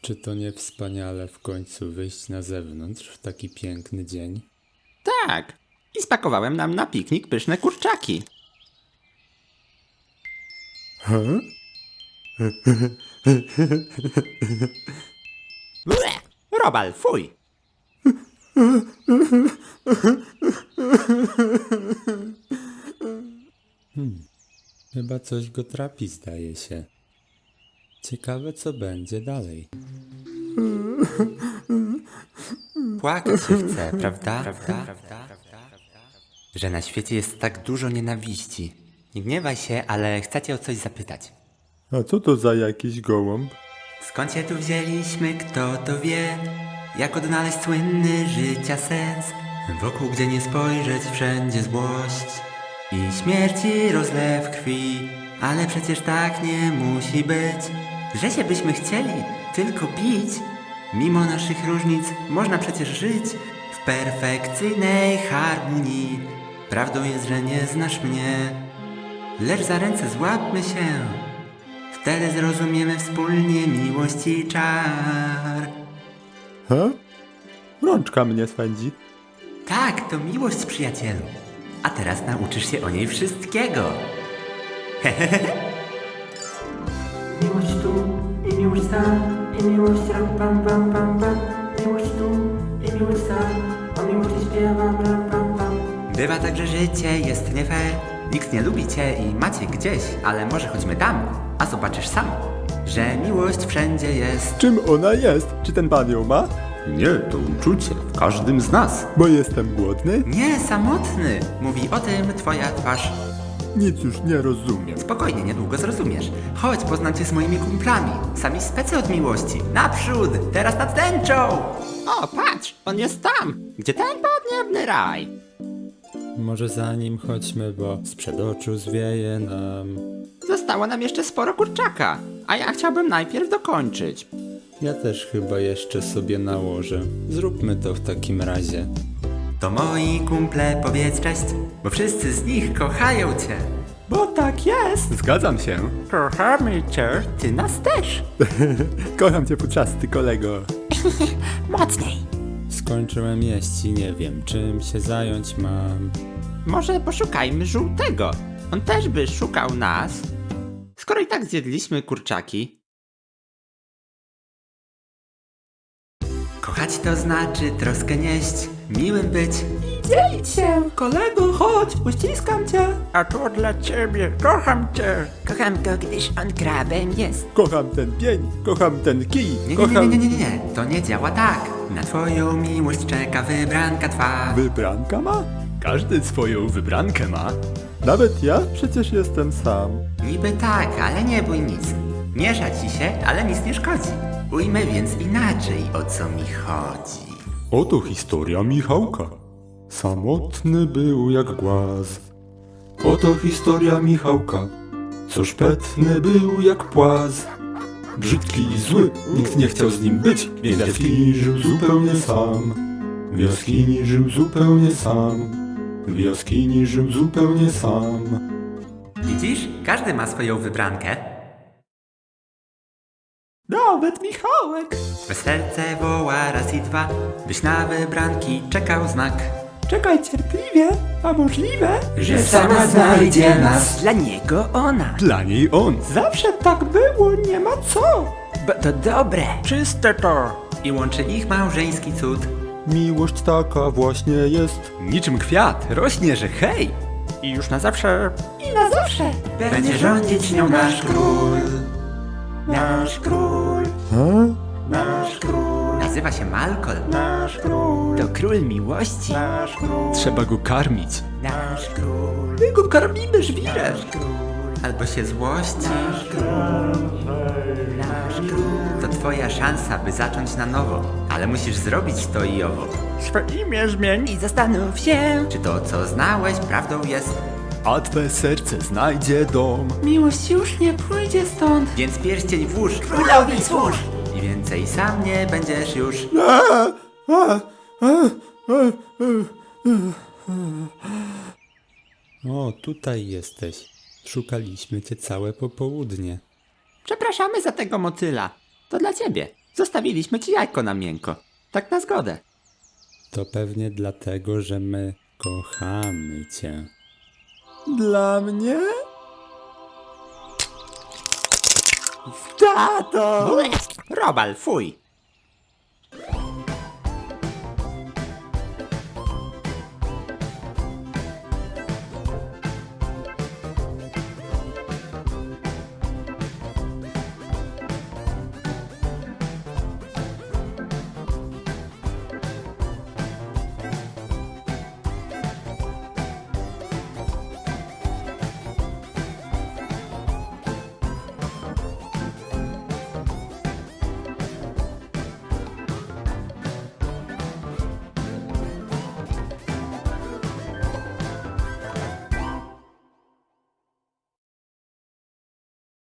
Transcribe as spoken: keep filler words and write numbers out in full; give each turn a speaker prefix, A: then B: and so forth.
A: Czy to nie wspaniale w końcu wyjść na zewnątrz w taki piękny dzień?
B: Tak. I spakowałem nam na piknik pyszne kurczaki.
A: Huh?
B: Ble! Robal, fuj!
A: Chyba coś go trapi, zdaje się. Ciekawe, co będzie dalej.
B: Płakać się chce, prawda? Prawda? Że na świecie jest tak dużo nienawiści. Nie gniewaj się, ale chcę cię o coś zapytać.
A: A co to za jakiś gołąb?
B: Skąd się tu wzięliśmy, kto to wie? Jak odnaleźć słynny życia sens? Wokół, gdzie nie spojrzeć, wszędzie złość i śmierci rozlew krwi. Ale przecież tak nie musi być, że się byśmy chcieli tylko bić. Mimo naszych różnic można przecież żyć w perfekcyjnej harmonii. Prawdą jest, że nie znasz mnie, lecz za ręce złapmy się. Wtedy zrozumiemy wspólnie miłość i czar.
A: Ha? Rączka mnie swędzi.
B: Tak, to miłość, przyjacielu. A teraz nauczysz się o niej wszystkiego.
C: Miłość tu i miłość tam, i miłość ram pam pam pam pam. Miłość tu i miłość tam, o miłości śpiewam ram pam pam.
B: Bywa tak, że życie jest nie fair. Nikt nie lubi cię i macie gdzieś, ale może chodźmy tam, a zobaczysz sam, że miłość wszędzie jest.
A: Czym ona jest? Czy ten pan ją ma?
B: Nie, to uczucie w każdym z nas.
A: Bo jestem głodny?
B: Nie, samotny. Mówi o tym twoja twarz.
A: Nic już nie rozumiem.
B: Spokojnie, niedługo zrozumiesz. Chodź, poznam cię z moimi kumplami. Sami specy od miłości. Naprzód, teraz nad tęczą! O, patrz, on jest tam, gdzie ten podniebny raj.
A: Może za nim chodźmy, bo sprzed oczu zwieje nam.
B: Zostało nam jeszcze sporo kurczaka, a ja chciałbym najpierw dokończyć.
A: Ja też chyba jeszcze sobie nałożę. Zróbmy to w takim razie.
B: To moi kumple, powiedz cześć, bo wszyscy z nich kochają cię.
C: Bo tak jest!
A: Zgadzam się.
C: Kochamy cię!
B: Ty nas też.
A: Kocham cię, puczasty kolego.
B: Mocniej.
A: Skończyłem jeść i nie wiem, czym się zająć mam.
B: Może poszukajmy żółtego. On też by szukał nas. Skoro i tak zjedliśmy kurczaki. Kochać to znaczy troskę nieść, miłym być.
C: Dzielić się! Kolego, chodź, uściskam cię! A to dla ciebie, kocham cię!
B: Kocham go, gdyż on krabem jest.
A: Kocham ten pień, kocham ten kij,
B: Nie, nie, nie,
A: kocham...
B: nie, nie, nie, nie, to nie działa tak. Na twoją miłość czeka wybranka twa.
A: Wybranka ma?
D: Każdy swoją wybrankę ma.
A: Nawet ja? Przecież jestem sam.
B: Niby tak, ale nie bój nic. Miesza ci się, ale nic nie szkodzi. Ujmę więc inaczej, o co mi chodzi.
D: Oto historia Michałka. Samotny był jak głaz. Oto historia Michałka, co szpetny był jak płaz. Brzydki i zły, nikt nie chciał z nim być, więc w jaskini żył zupełnie sam. W jaskini żył zupełnie sam. W jaskini żył zupełnie sam.
B: Widzisz? Każdy ma swoją wybrankę.
C: Nawet Michałek!
B: Twe serce woła raz i dwa, byś na wybranki czekał znak.
C: Czekaj cierpliwie, a możliwe,
B: Że sama znajdzie nas. Dla niego ona.
D: Dla niej on.
C: zawsze tak było, nie ma co!
B: Bo to dobre.
C: Czyste to!
B: I łączy ich małżeński cud.
D: Miłość taka właśnie jest. Niczym kwiat, rośnie, że hej.
C: I już na zawsze! I na zawsze!
B: Będzie rządzić nią nasz król.
C: Nasz król!
A: Ha?
C: Nasz król!
B: Nazywa się Malkol.
C: Nasz król!
B: To król miłości.
C: Nasz król!
D: Trzeba go karmić.
B: Nasz król.
C: My go karmimy żwirem!
B: Albo się złości. Nasz król. To twoja szansa, by zacząć na nowo. Ale musisz zrobić to i owo.
C: Swe imię zmień!
B: I zastanów się, czy to, co znałeś, prawdą jest.
D: A twe serce znajdzie dom.
C: Miłość już nie pójdzie stąd!
B: Więc pierścień włóż.
C: Królowi służ!
B: I więcej sam nie będziesz już.
A: O, tutaj jesteś. Szukaliśmy cię całe popołudnie.
B: Przepraszamy za tego motyla. To dla ciebie. Zostawiliśmy ci jajko na miękko. Tak na zgodę.
A: To pewnie dlatego, że my kochamy cię.
B: Dla mnie? Tato! Robal, fuj!